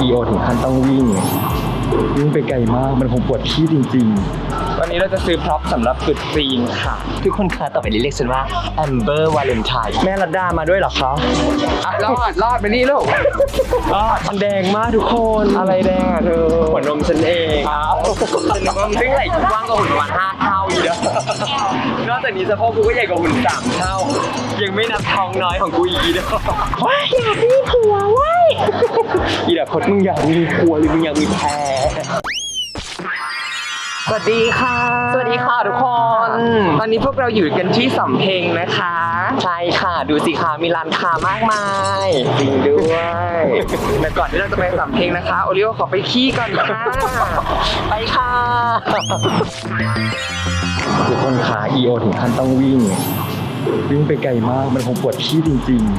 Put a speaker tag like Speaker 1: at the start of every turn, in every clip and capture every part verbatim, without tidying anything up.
Speaker 1: อีโอถึงขั้นต้องวิ่งวิ่งไปไกลมากมันคงปวดขี้จริงๆวันนี้เราจะซื้อพร็อพสำหรับตรุษจีนค่ะ
Speaker 2: ทุกคนคะต่อไปนี้เรียกฉันว่าแอมเบอร์วาเลนไทน์
Speaker 1: แม่รัดดามาด้วยเหรอคะ
Speaker 2: รอดรอดไปนี่ลูก
Speaker 1: รอดมันแดงมากทุกคนอะไรแดงอ่ะเธอหัวนมฉันเอง
Speaker 2: อ้าวฉันนึกว่ามันซึ่งไหล่กว้างกว่าหุ่นประมาณห้าเท่าอยู่เด้อนอกจากนี้สะโพกกูก็ใหญ่กว่าหุ่นสามเท่ายังไม่นับท้องน้อยของกูอีกเด้อ
Speaker 1: ว้ายอยากมีผัวว้ายอีดาพดมึงอยากมีผัวหรือมึงอยากมีแพร
Speaker 2: สวัสดีค่ะ
Speaker 1: สวัสดีค่ะทุกคน
Speaker 2: ตอนนี้พวกเราอยู่กันที่สำเพ็งนะคะ
Speaker 1: ใช่ค่ะดูสิค่ะมีร้านค้ามากมาย
Speaker 2: จริงด้วยแต่ก่อนที่เราจะไปสำเพ็งนะคะโอริโอขอไปขี้ก่อนค่ะ
Speaker 1: ไปค่ะทุกคนขาอีโอถึงขั้นต้องวิ่งวิ่งไปไกลมากมันคงปวดขี้จริงๆ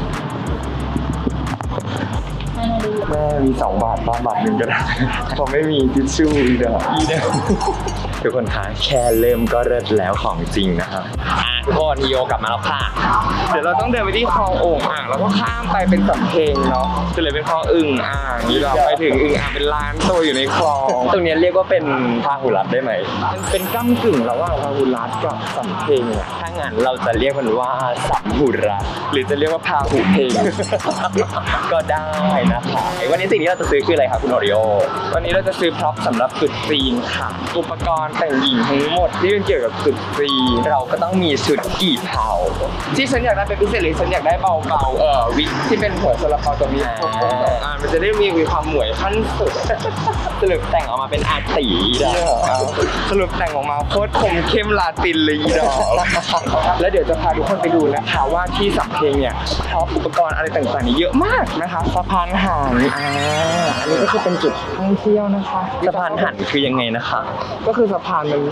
Speaker 1: แม่มีสองบาทบ้างบาทหนึ่งก็ได้ผมไม่มีทิชชู่อีเด้ออีเด้อทุกคนคะแค่เริ่มก็เลิศแล้วของจริงนะครับทุกคนอีโอกลับมาแล้วค่ะ
Speaker 2: เดี๋ยวเราต้องเดินไปที่คลองโอ่งอ่างแล้วก็ข้ามไปเป็นสำเพ็งเนาะจะเลยเป็นคลองอึ่งอ่างนี่เราไปถึงอึ่งอ่างเป็นร้านตัวอยู่ในคลอง
Speaker 1: ตรงนี้เรียกว่าเป็นพาหุรัตได้ไหม
Speaker 2: มันเป็นก้ำกึ่งระหว่างพาหุรัตกับสำเพ็งอ่ะ
Speaker 1: ถ้างั้นเราจะเรียกมันว่าสัมหุรัต
Speaker 2: หรือจะเรียกว่าพาหุเพง
Speaker 1: ก็ได้นะคะวันนี้สิ่งที่เราจะซื้อคืออะไรครับคุณโอริโอ
Speaker 2: วันนี้เราจะซื้อพร็อพสำหรับตรุษจีนค่ะอุปกรณ์แต่งหญิงทั้งหมดที่เป็นเกี่ยวกับตรุษจีน
Speaker 1: เราก็ต้องมีชุดกี่เผา
Speaker 2: ที่ฉันอยากได้เป็นพิเศษเลยฉันอยากได้เบาๆเออวิกที่เป็นหัวซาลาเปาตัวนี้อ่ามันจะได้มีมีความหมวยขั้นสุด
Speaker 1: สรุปแต่งออกมาเป็นอาตีดอก
Speaker 2: สรุปแต่งออกมาโคตรคมเข้มลาตินเลยดอกแล้วเดี๋ยวจะพาทุกคนไปดูนะคะว่าที่สำเพ็งเนี่ยพร็อพอุปกรณ์อะไรต่างๆนี่เยอะมากนะคะสะพานหันอ่าอันนี้ก็คือเป็นจุดท่องเที่ยวนะคะ
Speaker 1: สะพานหันคือยังไงนะคะ
Speaker 2: ก็คือสะพานมัน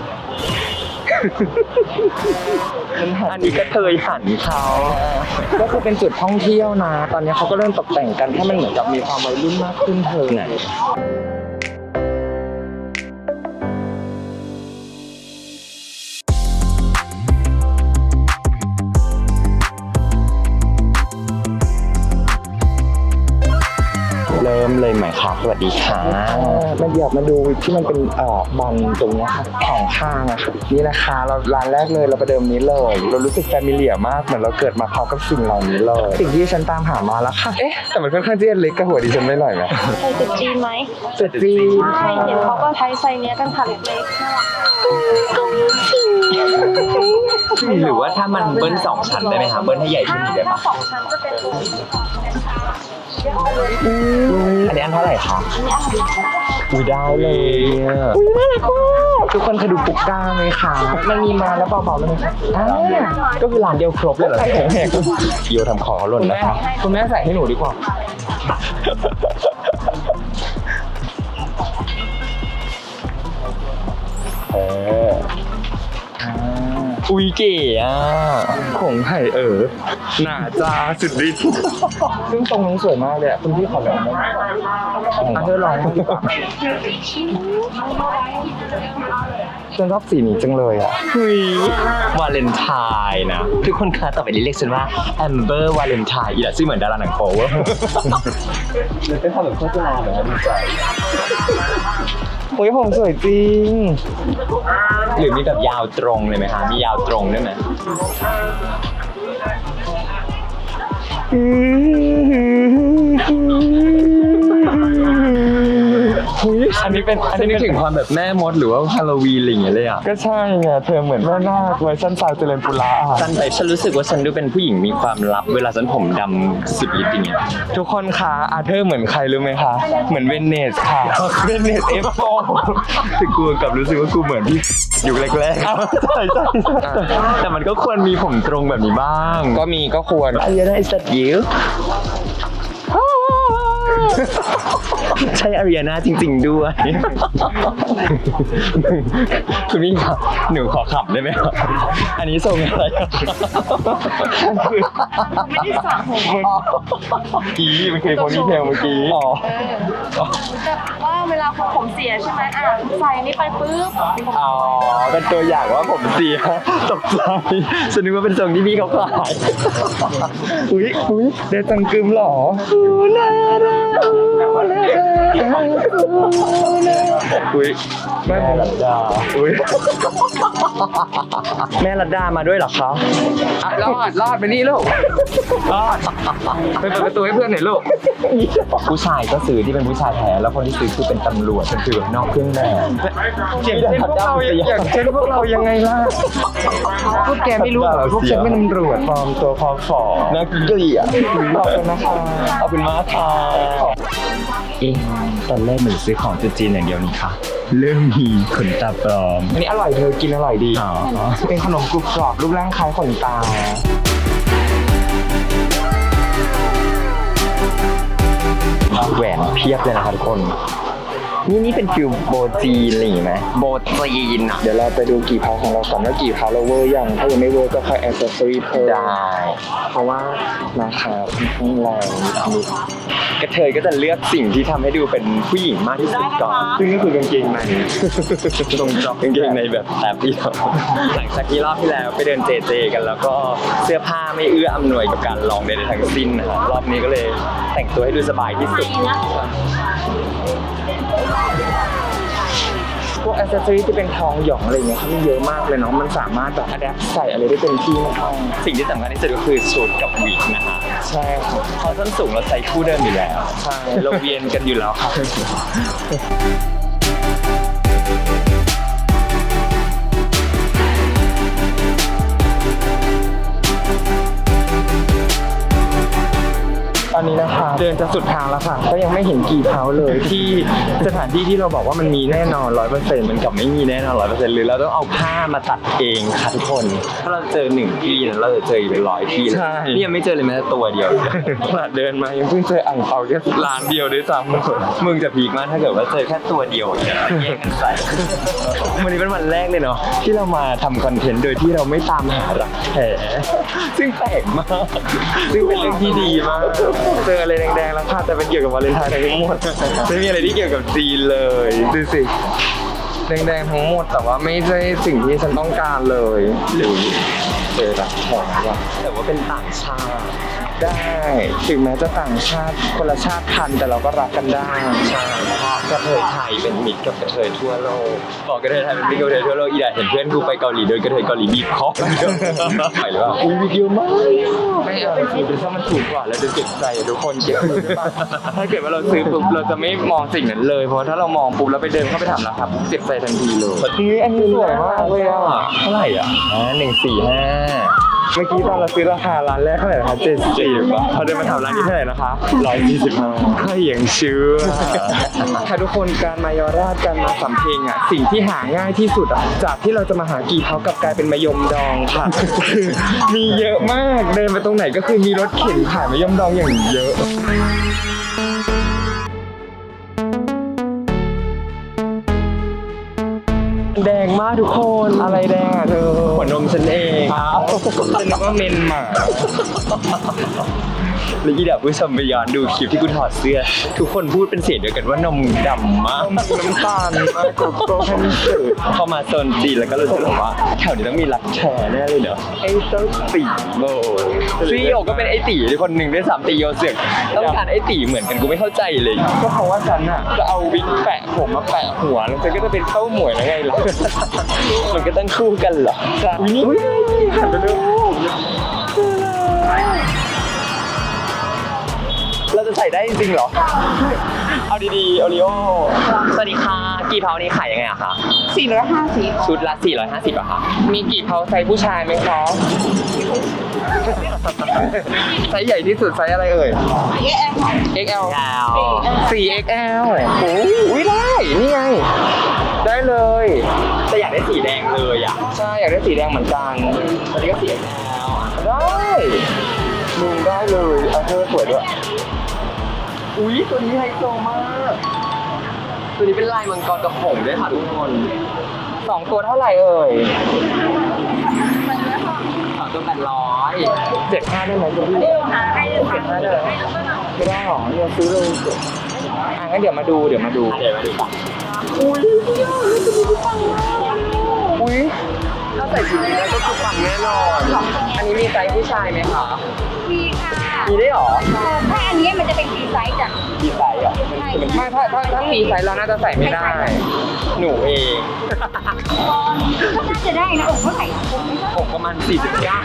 Speaker 1: อันนี้ก็เคยหันเขา
Speaker 2: ก็คือเป็นจุดท่องเที่ยวนะตอนนี้เขาก็เริ่มตกแต่งกันให้มันเหมือนกับมีความวัยรุ่นมากขึ้นเธอเนี่ย
Speaker 1: เริ่มเลยไหมครับสวัสดีค่ะ
Speaker 2: มาเดี๋ยวมาดูที่มันเป็นเอ่อบันตรงนี้ค่ะของข้างอะค่ะนี่นะคะเราร้านแรกเลยเราประเดิมนี้เลยเรารู้สึกแฟมิเลียมากเหมือนเราเกิดมาพร้อมกับสิ่งเหล่านี้เลยสิ่งที่ฉันตามหามาแล้วค่ะเอ๊ะแต่มันค่อนข้างจะเล็กกับหัวดิฉันไม่หน่อยไหม
Speaker 3: ใส่จุดจีนไหม
Speaker 2: จุดจีน
Speaker 3: ใช่เห็นเขาก็ใช้ไซส์เนี้ยกันค่ะเล็กๆน่ารัก
Speaker 1: หรือว่าถ้ามันเบิ้ลสองชั้นได้ไหมคะเบิ้ลให้ใหญ่ขึ้นได้ปะ
Speaker 3: สองชั้นจะเป็น
Speaker 1: อันนี้อันเท่าไหร่คะอุ้ยได้เลย
Speaker 2: อุ้ยน่ารักมากทุกคนเคยดูปุกก้าไหมคะมันมีมาแล้วเบาๆเลยค่ะ
Speaker 1: ก็คือร้านเดียวครบเลยเหรอแหกโยทำของเขาหล่นนะครับ
Speaker 2: คุณแม่ใส่ให้หนูดีกว่า
Speaker 1: เอออุ้ยเก๋อ่ะ
Speaker 2: ของไห่เออหนาจ้าสุดฤทธิ์ซึ่งตรงนี้สวยมากเลยอ่ะคุณพี่ขอลองได้ไหมอ่ะเธอลองดีกว่าฉันชอบสีนี้จังเลยอ่ะ
Speaker 1: เฮ้ยวาเลนไทน์นะทุกคนคะต่อไปนี้เรียกฉันว่าแอมเบอร์วาเลนไทน์อย่าชื่อเหมือนดาราหนังโป๊ะ
Speaker 2: เป็นความแบบโฆษณาเหรอดีใจโอ้ยผมสวยจริง
Speaker 1: หรือมีแบบยาวตรงเลยไหมคะมียาวตรงด้วยไหมอันนี้เป็นอันนี้นึกถึงความแบบแม่มดหรือว่าฮาโลวีนอะไรอย่างเงี้ยเลยอ่ะ
Speaker 2: ก็ใช่ไงเธอเหมือนแม่นาคเวอร์ชันสาวเจริญปุระ
Speaker 1: ฉันไปฉันรู้สึกว่าฉันดูเป็นผู้หญิงมีความลับเวลาฉันผมดำสุดฤทธิ์อย่างเงี้ย
Speaker 2: ทุกคนคะอาเธอร์เหมือนใครรู้ไหมคะเหมือนเวเนสค่ะเวเนสเอฟโฟ
Speaker 1: แต่กูกับรู้สึกว่ากูเหมือนพี่อยู่แรก
Speaker 2: ๆใช่ใช่
Speaker 1: แต่มันก็ควรมีผมตรงแบบนี้บ้าง
Speaker 2: ก็มีก็ควร
Speaker 1: ไอ้ยันไอ้สัตว์ยิวใช่อารีนาจริงๆด้วยคุณมิ่งครับหนูขอขับได้ไหมครับอันนี้ส่งอะไร
Speaker 3: ไม่ได้สระผม
Speaker 2: กี้มันเคยโพนี่เทลเมื่อกี้อ๋อ
Speaker 3: แบบว่าเวลาคนผมเสียใช่ไหมอ่ะใส่นี่ไปปุ๊บ
Speaker 1: อ๋อ เป็นตัวอย่างว่าผมเสียตกใจฉันนึกว่าเป็นทรงที่พี่เขาขาย
Speaker 2: อุ้ยอุ้ยเดจังกึมเหรอ
Speaker 1: อุ้ยแม่รัดดาอุ้ยแม่รัดดามาด้วยเหรอคะ
Speaker 2: อ่ะรอดรอดไปนี่ลูกรอดไปเปิดประตูให้เพื่อนหน่อยลูก
Speaker 1: ผู้ชายก็ซื้อที่เป็นผู้ชายแท้แล้วคนที่ซื้อคือเป็นตำรวจเป็นฟิลแบบนอกเครื่องแบบ
Speaker 2: อย่างเช่นพวกเราอย่างเช่นพวกเรายังไงล่ะพวกแกไม่รู้เหรอพวกฉันเป็นตำรวจปลอมตัวพอฝอ
Speaker 1: นักเกลียด
Speaker 2: ขอบคุณนะคะ
Speaker 1: ขอบคุณมากค่ะเอ๊ะตอนแรกหนูซื้อของจีนอย่างเดียวนี่ค่ะเริ่มมีขนตาปลอม
Speaker 2: อันนี้อร่อยเธอกินอร่อยดี
Speaker 1: อ๋อ
Speaker 2: เป็นขนมกรุบกรอบรูปร่างคล้ายขนตา
Speaker 1: แหวนเพียบเลยนะครับทุกคน นี่นี่เป็นฟิลโบจีนอะไรอย่างงี้ไหมโบจีนอ่ะ
Speaker 2: เดี๋ยวเราไปดูกี่เพาของเราก่อนว่ากี่เพาเราเวอร์ยังถ้ายังไม่เวอร์ก็ค่อยแอคเซสซอรี่เพิ่ม
Speaker 1: ได้
Speaker 2: เพราะว่าราคาค่อนข้างแรงนิดนึง
Speaker 1: กระเทยก็จะเลือกสิ่งที่ทำให้ดูเป็นผู้หญิงมากที่สุดก่อน
Speaker 2: ซึ่งก็คือกางเกงใน
Speaker 1: ตรงจอกกางเกงในแบบแอบเดียวหลังจากที่รอบที่แล้วไปเดินเจเจกันแล้วก็เสื้อผ้าไม่เอื้ออำนวยกับการลองใดๆทั้งสิ้นนะครับรอบนี้ก็เลยแต่งตัวให้ดูสบายที่สุด
Speaker 2: พวกอ c เซสซอรี่ที่เป็นทองหยองอะไรเงี้ยเขามีเยอะมากเลยเนาะมันสามารถแบบอัดแอปใส่อะไรได้เต็มที่มาก
Speaker 1: สิ่งที่สำคัญที่สุดก็คือชุดกับวิกนะฮะ
Speaker 2: ใช่ครับ
Speaker 1: เพราะส้นสูงเราใส่คู่เดิมอยู่แล้ว
Speaker 2: ใช่
Speaker 1: เราเวียนกันอยู่แล้วครับ
Speaker 2: ตอนนี้นะคะเดินจะสุดทางแล้วค่ะก็ยังไม่เห็นกี่เพาเลยที่สถานที่ที่เราบอกว่ามันมีแน่นอนร้อยเปอร์เซ็นต์
Speaker 1: มันกับไม่มีแน่นอนร้อยเปอร์เซ็นต์หรือเราต้องเอาผ้ามาตัดเองค่ะทุกคน ถ้าเราเจอหนึ่งที่นะเราจะเจออีกเป็นร้อยที่เลยนี่ยังไม่เจอเลยแม้แต่ตัวเดียว
Speaker 2: ขนาดเดินมายังเพิ่งเจออ่างเปาแค่ร้านเดียวด้วยซ้ำ
Speaker 1: มึงจะพีคมากถ้าเกิดว่าเจอแค่ตัวเดียวเนี่ยแย่งกันใส่ วันนี้เป็นวันแรกเลยเนาะที่เรามาทำคอนเทนต์โดยที่เราไม่ตามหารักแท้ซึ่งแปลกมาก ซึ่งเป็นเรื่องที่ดีมาก
Speaker 2: เจออะไรแดงๆแล้วค่ะแต่เป็นเกี่ยวกับวาเลนไทน์ทั้งหมด
Speaker 1: ไม่มีอะไรที่เกี่ยวกับจีนเลย
Speaker 2: ดูสิแดงๆทั้งหมดแต่ว่าไม่ใช่สิ่งที่ฉันต้องการเลยหรือเจอรักแท้ว่ะ
Speaker 1: แต่ว่าเป็นต่างชาติ
Speaker 2: ได้ถึงแม้จะต่างชาติคนละชาติพันธุ์แต่เราก็รักกันได้
Speaker 1: ใช่เพราะกระเทยไทยเป็นมิตรกับกระเทยทั่วโลกบอกกระเทยไทยเป็นมิตรกับกระเทยทั่วโลกอีดาเห็นเพื่อนกูไปเกาหลีโดยกระเทยเกาหลีบีบคอไปหรือเปล่า
Speaker 2: อุ้ยวิดีโอมากไม่เอาจริงๆถ้ามันถูกกว่าเราจะเจ็บใจอะทุกคนเก็บเลยใช่ปะถ้าเกิดว่าเราซื้อปุ๊บเราจะไม่มองสิ่งนั้นเลยเพราะถ้าเรามองปุ๊บแล้วไปเดินเข้าไปถามราคาปุ๊บเจ็บใจทันทีเลยนี่อันนี้สวยมากเลยอ่ะ
Speaker 1: เท่าไหร่อ่ะอ่าหนึ่งสี่ห้า
Speaker 2: เมื่อกี้ตอนเราซื้อราคาร้านแรกเท่าไหร่นะคะเจ็ดสิบพอเดินมาถามร้านนี้เท่าไหร่นะคะร้อยยี่สิบห้าก็ยังเชื่อถ้าทุกคนการมายอราชการมาสำเพ็งอ่ะสิ่งที่หาง่ายที่สุดอ่ะจากที่เราจะมาหากี่เท้ากลับกลายเป็นมะยมดองค่ะคือมีเยอะมากเดินไปตรงไหนก็คือมีรถเข็นขายมะยมดองอย่างเยอะแดงมากทุกคนอะไรแดงอ่ะเธอ
Speaker 1: หัวนมฉันเอง
Speaker 2: ครับฉันนึกว่าเมนหมา
Speaker 1: แล้วอีดับผู้ชมไปย้อนดูคลิปที่กูถอดเสื้อ ทุกคนพูดเป็นเสียงเดียวกันว่านมดำมาก
Speaker 2: น้ำตาลมากกว่าโปรแพนเสือ
Speaker 1: เข้ามาโซนจีนแล้วก็รู้สึกว่าแถวนี้ต้องมีรักแท้แน่เลยเนอะไอ้เจ้าตีโบซีโอก็เป็นไอ้ตีคนหนึ่งด้วยซ้ำตีโยเสือกต้องการไอ้ตีเหมือนกันกูไม่เข้าใจเลย
Speaker 2: ก็เพราะว่าฉันอ่ะจะเอาวิกแปะผมมาแปะหัวแล้วฉันก็จะเป็นเข้าหมวยแล้วไงล่ะ
Speaker 1: มันก็ต้องคู่กันเหรอ
Speaker 2: จ้ะอุ้ยหันไปดู
Speaker 1: เราจะใส่ได้จริงๆเหรอ เอาดีๆโอริโอสวัสดีค่ะกี่เผานี้ขายยังไงอะคะ
Speaker 3: สี่ร้อยห้าสิบ
Speaker 1: ชุดละสี่ร้อยห้าสิบอะคะ
Speaker 2: มีกี่เพาไซส์ผู้ชายไหมคะไซส์ใหญ่ที่สุดไซส์อะไรเอ่ย เอ็กซ์ แอล สี่ เอ็กซ์ แอล โอ้ยได้ นี่ไง ได้เลย
Speaker 1: แต่อยากได้สีแดงเลยอะ
Speaker 2: ใช่อยากได้สีแดงเหมือนกัน
Speaker 1: อันนี้ก็สีแดงแล้ว
Speaker 2: ได้มึงได้เลยเอาเธอสวยด้วย
Speaker 1: อุ๊ยตัวนี้ไฮโซมาก ตัวนี้เป็นลายมังกรกระหงด้วยค่ะทุกคน
Speaker 2: สองตัวเท่าไหร่เอ่ย
Speaker 1: สองตัวแปดร้อย
Speaker 2: เจ็ดห้าได้ไหมคุณพี่เจ็ดห้าได้ไหมไม่ได้หรอเนี่ยซื้อเลยอ่ะงั้นเดี๋ยวมาดูเดี๋ยวมาดู
Speaker 1: เดี๋ยวมาดูกัน
Speaker 2: อุ้ยอุ้ยถ้าใส่ชุดนี้แล้วก็คือปังแน่นอน อันนี้มีไซส์ผู้ชายไหมคะ
Speaker 3: มีค่ะ
Speaker 2: มีได้หรอ
Speaker 3: ถ้าอันนี้มันจะเป็นฟรีไซส์จ้ะ
Speaker 1: ที่ไซส์อ่ะ
Speaker 3: ใช่
Speaker 2: ไม่ถ้าถ้าถ้ามีไซส์เราน่าจะใส่ไม่ได้
Speaker 1: หนูเอง
Speaker 3: ก็น่าจะได้นะอกเท่าไหร่ผมไม่ทราบ
Speaker 1: ผมประมาณสี่สิบเก้า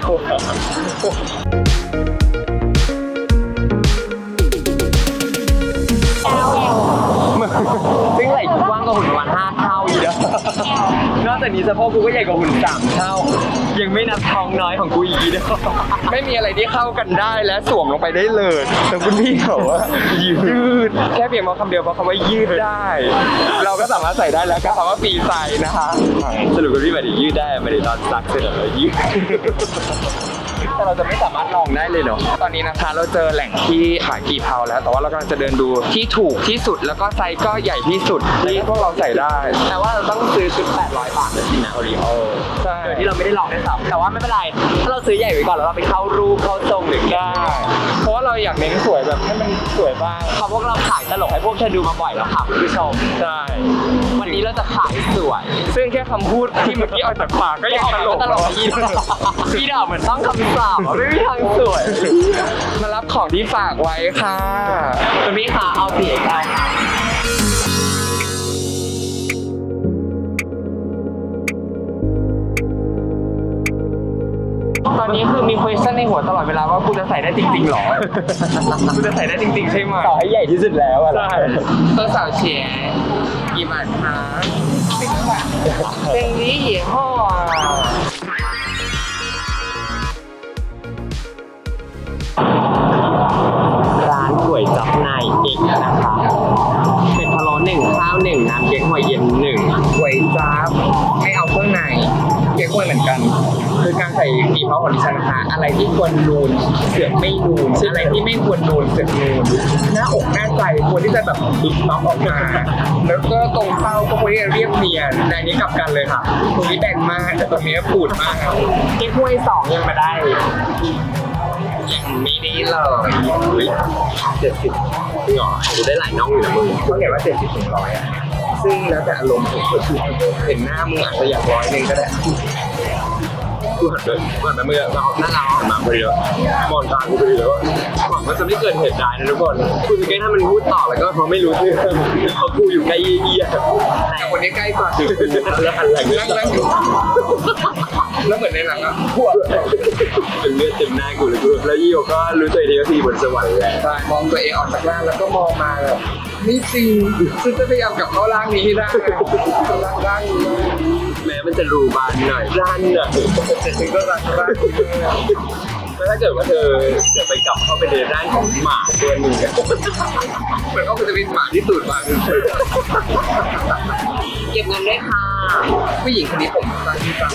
Speaker 1: ซึ่งไหล่กูกว้างกว่าหุ่นประมาณห้าเท่าอีกแล้วนอกจากนี้สะโพกกูก็ใหญ่กว่าหุ่นสามเท่า ยังไม่นับท้องน้อยของกูอีกเด้อ
Speaker 2: ไม่มีอะไรที่เข้ากันได้และสวมลงไปได้เลยแต่คุณพี่เขาว่ายืดแค่เพียงเพราะคำเดียวเพราะคำว่ายืดได้ เราก็สามารถใส่ได้แล้วก็คำว่าฟรีไซส์นะคะ
Speaker 1: สรุปคุณพี่หมายถึงยืดได้หมายถึงตอนซักเสร็จแล้วยืด
Speaker 2: แต่เราจะไม่สามารถลองได้เลยเนาะตอนนี้นะคะเราเจอแหล่งที่ขายกี่เพาแล้ว แต่ว่าเรากำลังจะเดินดูที่ถูกที่สุดแล้วก็ไซส์ก็ใหญ่ที่สุดที่พวกเราใส่ได้
Speaker 1: แต่ว่าเราต้องซื้อชุดแปดร้อยบาทเลยสินะโอริโอ
Speaker 2: ใช่
Speaker 1: โดยที่เราไม่ได้ลองด้วยซ้ำแต่ว่าไม่เป็นไร ถ้าเราซื้อใหญ่ไว้ก่อนแล้วเราไปเข้ารูปเข้าทรงหรือ
Speaker 2: ได้ เพราะว่าเราอยากเน้นสวยแบบให้มันสวยบ้าง
Speaker 1: เขาพวกเราขายตลกให้พวกเธอดูมาบ่อยแล้วค่ะคุณผู้ชม
Speaker 2: ใช่
Speaker 1: วันนี้เราจะขายสวย
Speaker 2: ซึ่งแค่คำพูดที่เมื่อกี้ออกจากปากก็ยังตลก
Speaker 1: ตลกอีดอีดอกเหมือนต้องคำสาบอะไม่มีทางสวย
Speaker 2: มารับของที่ฝากไว้ค่ะ
Speaker 1: คุณพี่ค่ะเอาสีเก้าค่ะ
Speaker 2: ตอนนี้คือมี question ในหัวตลอดเวลาว่ากูจะใส่ได้จริงๆหรอ กูจะใส่ได้จริงๆใช่ไหม
Speaker 1: ต่อให้ใหญ่ที่สุดแล้วอะ
Speaker 2: ใช่ตัวสาวเฉียกี่บาทคะสิบบาทเพลงนี้หยี่ห้อ
Speaker 1: ร้านก๋วยจั๊บนายเอกนะคะเป็ดพะโล้หนึ่งข้าวหนึ่งน้ำเก๊กฮวยเย็นหนึ่ง
Speaker 2: ก๋วยจั๊บไม่เอาเครื่องในเก๊กฮวยเหมือนกัน คือการใส่กี่เพาของดิฉันนะคะอะไรที่ควรนูนเสือกไม่นูนอะไรที่ไม่ควรนูนเสือกนูนหน้าอกหน้าใจควรที่จะแบบดึงน็อกออกมาแล้วก็ตรงเป้าก็ควรที่จะเรียบเนียนในนี้กลับกันเลยค่ะตรงนี้แบนมากแต่ตรงนี้ปูดมากเก๊กฮวยสองยังมาได้ยังไม่ได้เลย
Speaker 1: เจ็ดสิบหรอดูได้หลายน้องอยู่นะมึง
Speaker 2: เขาเขียนว่าเจ็ดสิบถึงร้อยอ่ะซึ่งแล้วแต่อารมณ์ผมก็คือเห็นหน้ามึงอาจจะอยากร้อยหนึงก็ได้
Speaker 1: กูหันไปหันไปเมื่อเราหน้าเราหันมาพอดีแล้วมองตากูพอดีแล้วหวังว่าจะไม่เกิดเหตุการณ์นะทุกคนกูจะแก้ถ้ามันพูดต่อแล้วก็เขาไม่รู้เรื่องเพราะกูอยู่ใกล้เยี่ย
Speaker 2: แต่คนนี้ใกล้กว่า
Speaker 1: แล้วหันหลัง
Speaker 2: นั่งนั่งอยู่แล้วเหมือนในหนังอ่ะพวก
Speaker 1: เป็นเลือดเต็มหน้ากูเลยกูแล้วยี่ก็รู้ตัวทีก็ทีบนสวรรค์แล้ว
Speaker 2: ใช่มองตัวเองออกจากร่างแล้วก็มองมาแบบนี่จริงซึ่งจะพยายามกลับเข้าร่างนี้ให้ได้ร่างร่างนี้
Speaker 1: แม้มันจะรูบานหน่อยร้านหน่อย
Speaker 2: แต่ถึงก็รักร่างนี้
Speaker 1: แล้วถ้าเกิดว่าเธอจะไปกลับเข้าไปในร่างของหมาตัวหนึ่งอะ
Speaker 2: เหมือนก็จะเป็นหมาที่ตูดมา
Speaker 1: เก็บเงินด้วยค่ะ
Speaker 2: ผู้หญิงคนนี้ผมสั้นที่สั้น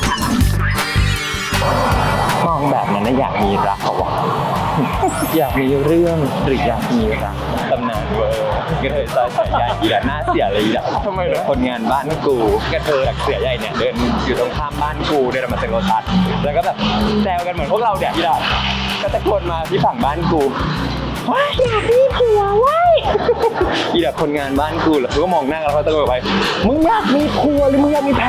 Speaker 1: มองแบบนั้นนะอยากมีรักเหรอวะ อยากมีเรื่องหรืออยากมีรักตำนานเวอร์กระเทยซอยเสือใหญ่อีดะหน้าเสียเลยอีดะ
Speaker 2: ทำไมเหรอ
Speaker 1: คนงานบ้านกูกระเทยจากเสือใหญ่เนี่ยเดินอยู่ตรงข้ามบ้านกูเดินมาเซ็นโรตัสแล้วก็แบบแซวกันเหมือนพวกเราเนี่ยอีดะก็ตะโกนมาที่ฝั่งบ้านกูว้ายอยากมีผัวว้ายอีดะคนงานบ้านกูแล้วกูก็มองหน้ากันแล้วเขาตะโกนไปมึงอยากมีผัวหรือมึงอยากมีแพร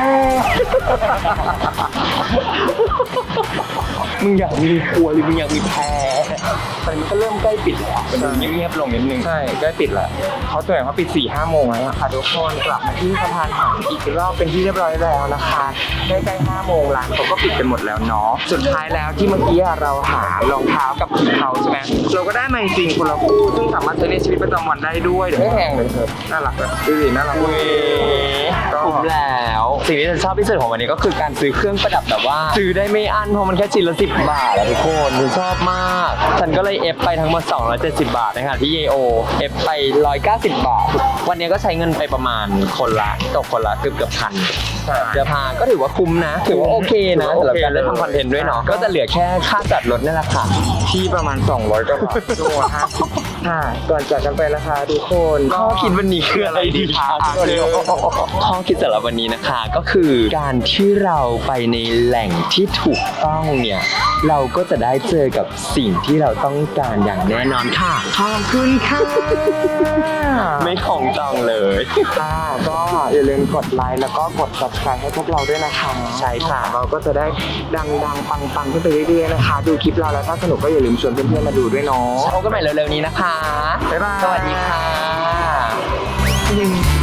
Speaker 1: มึงอยากมีครัวหรือมึงอยากมีแพรตอนนี้มันก็เริ่มใกล้ปิดแล้วมันดูเงียบๆลงนิดนึง
Speaker 2: ใช่ใกล้ปิดแล้วเขาแถลงว่าปิดสี่ห้าโมงแล้วอะค่ะทุกคนกลับมาที่สะพานหันอีกรอบเป็นที่เรียบร้อยแล้วนะคะใกล้ๆห้าโมงร้านเขาก็ปิดกันหมดแล้วเนาะสุดท้ายแล้วที่เมื่อกี้เราหารองเท้ากับถุงเท้าใช่ไหมเราก็ได้มาจริงๆคนละคู่ซึ่งสามารถใช้ในชีวิตประจำวันได้ด้วยไม่แพงเลยเธอน่ารักเลยดูสิน่ารัก
Speaker 1: เว้ยคุ้มแล้ว สิ่งที่ฉันชอบที่สุดของวันนี้ก็คือการซื้อเครื่องประดับแบบว่าซื้อได้ไม่อั้นเพราะมันแค่ชิ้นละสิบบาทอะทุกคนฉันชอบมาก ฉันก็เลยเอฟไปทั้งหมดสองร้อยเจ็ดสิบบาทนะคะที่เยโอเอฟไปหนึ่งร้อยเก้าสิบบาท วันนี้ก็ใช้เงินไปประมาณคนละตกคนละเกือบเกือบพันเสื้อผ้าก็ถือว่าคุ้มนะ ถือว่าโอเคนะสำหรับการได้ทำคอนเทนต์ด้วยเนาะก็จะเหลือแค่ค่าจัดรถนั่นแหละค่ะ
Speaker 2: ที่ประมาณสองร้อยกว่าบาทชั่วโมงห้าสิบค่ะ ก่อนจากกันไปนะคะทุกคน
Speaker 1: ข้อคิดวันนี้คืออะไรดีคะ
Speaker 2: อ่ะเดี๋ยว
Speaker 1: ข้อคิดสำหรับวันนี้นะคะก็คือการที่เราไปในแหล่งที่ถูกต้องเนี่ยเราก็จะได้เจอกับสิ่งที่เราต้องการอย่างแน่นอนค่ะ
Speaker 2: ขอบคุณค่ะ
Speaker 1: ไม่ของจองเลย
Speaker 2: ค่ะก็อย่าลืมกดไลค์แล้วก็กด ซับสไครบ์ ให้พวกเราด้วยนะคะ
Speaker 1: ใช่ค่ะ
Speaker 2: เราก็จะได้ดังๆ ปังๆ ขึ้นไปเรื่อยๆ นะคะ ดูคลิปเราแล้วถ้าสนุกก็อย่าลืมชวนเพื่อนๆ มาดูด้วยเนาะ
Speaker 1: พบกันใหม่เร็วๆนี้นะคะ
Speaker 2: บ๊ายบาย
Speaker 1: สวัสดีค่ะ
Speaker 2: อืม